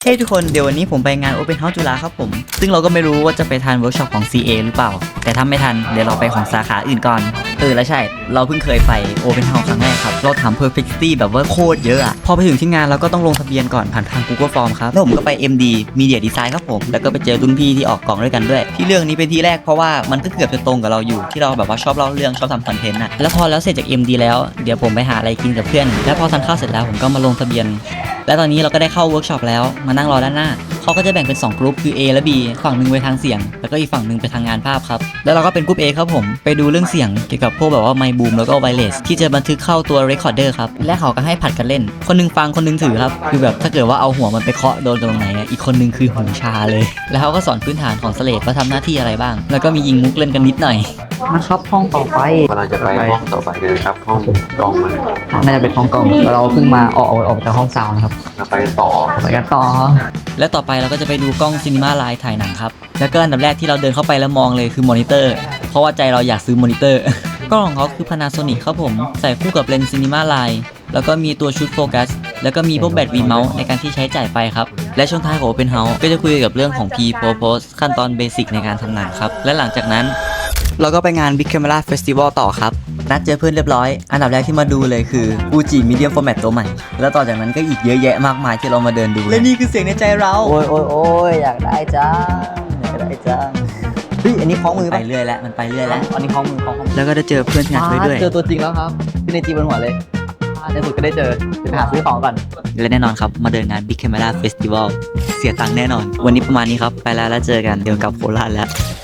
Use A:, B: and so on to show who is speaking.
A: เฮ้ยทุกคนเดี๋ยววันนี้ผมไปงาน Open House จุฬาครับผมซึ่งเราก็ไม่รู้ว่าจะไปทันเวิร์กช็อปของ CA หรือเปล่าแต่ถ้าไม่ทันเดี๋ยวเราไปของสาขาอื่นก่อนแล้วใช่เราเพิ่งเคยไป Open House ครั้งแรกครับเราถาม Perfectity แบบว่าโคตรเยอะอะพอไปถึงที่งานเราก็ต้องลงทะเบียนก่อนผ่านทาง Google Form ครับแล้วผมก็ไป MD Media Design ครับผมแล้วก็ไปเจอรุ่นพี่ที่ออกกล่องด้วยกันด้วยที่เรื่องนี้เป็นที่แรกเพราะว่ามันก็เกือบจะตรงกับเราอยู่ที่เราแบบว่าชอบเล่าเรื่องชอบทำคอนเทนต์อะแล้วพอแล้วเสร็จจาก MD แล้วเดี๋ยวผมไปหาอะไรกินกับเพื่อนแล้วพอทานข้าวเสร็จแล้วผมก็มาลงทะเบียนและตอนนี้เราก็ได้เข้าเวิร์กช็อปแล้วมานั่งรอด้านหน้าเขาก็จะแบ่งเป็น2กลุ่มคือ A และ B ฝั่งหนึ่งไปทางเสียงแล้วก็อีกฝั่งหนึ่งไปทางงานภาพครับแล้วเราก็เป็นกลุ่ม A ครับผมไปดูเรื่องเสียงเกี่ยวกับพวกแบบว่าไมค์บูมแล้วก็ไวเลสที่จะบันทึกเข้าตัวเรคคอร์เดอร์ครับและเขาก็ให้ผัดกันเล่นคนนึงฟังคนนึงถือครับคือแบบถ้าเกิดว่าเอาหัวมันไปเคาะโดนตรงไหนอีกคนนึงคือหูชาเลยแล้วเขาก็สอนพื้นฐานของสเลดว่าทำหน้าที่อะไรบ้างแล้วก็มียิงมุกเล่นกันนิดหน่อยนะครับห้องต่อไป
B: กำลังจะไปห้องต่อไปเลยครับห้องกองมัน
A: น่าจะเป็นห้องกล้องเราเพิ่งมาออกจากห้องซาวนะครับ
B: จะไปต่อ
A: ไปกันต่อและต่อไปเราก็จะไปดูกล้องซีนีมาไลน์ถ่ายหนังครับแล้วก็อันดับแรกที่เราเดินเข้าไปแล้วมองเลยคือมอนิเตอร์เพราะว่าใจเราอยากซื้อมอนิเตอร์ กล้องของเขาคือ Panasonic ครับผมใส่คู่กับเลนส์ซีนีมาไลน์แล้วก็มีตัวชุดโฟกัสแล้วก็มีพวกแบตวีเมาส์ในการที่ใช้จ่ายไฟครับและช่วงท้ายของ Open House ก็จะคุยกับเรื่องของ Pre-Propose ขั้นตอนเบสิกในการทำหนังครับและหลังจากนั้นเราก็ไปงาน Big Camera Festival ต่อครับนัดเจอเพื่อนเรียบร้อยอันดับแรกที่มาดูเลยคือ Fuji Medium Format ตัวใหม่แล้วต่อจากนั้นก็อีกเยอะแยะมากมายที่เรามาเดินดูและนี่คือเสียงในใจเราโอ้ยอยากได้จังเฮ้ยอันนี้คล้องมือไปเรื่อยแล้วมันไปเรื่อยแล้วอันนี้คล้องมือแล้วก็ได้เจอเพื่อนที่นัดไว้ด้วย
C: เจอตัวจริงแล้วครับที่ในจีบนหัวเลยในสุดก็ได้เจอจะไปหาซื้อของก่อน
A: และแน่นอนครับมาเดินงาน Big Camera Festival เสียตังค์แน่นอน วันนี้ประมาณนี้ครับไปแล้วเจอกันเดี๋ยวกลับโคราชแล้ว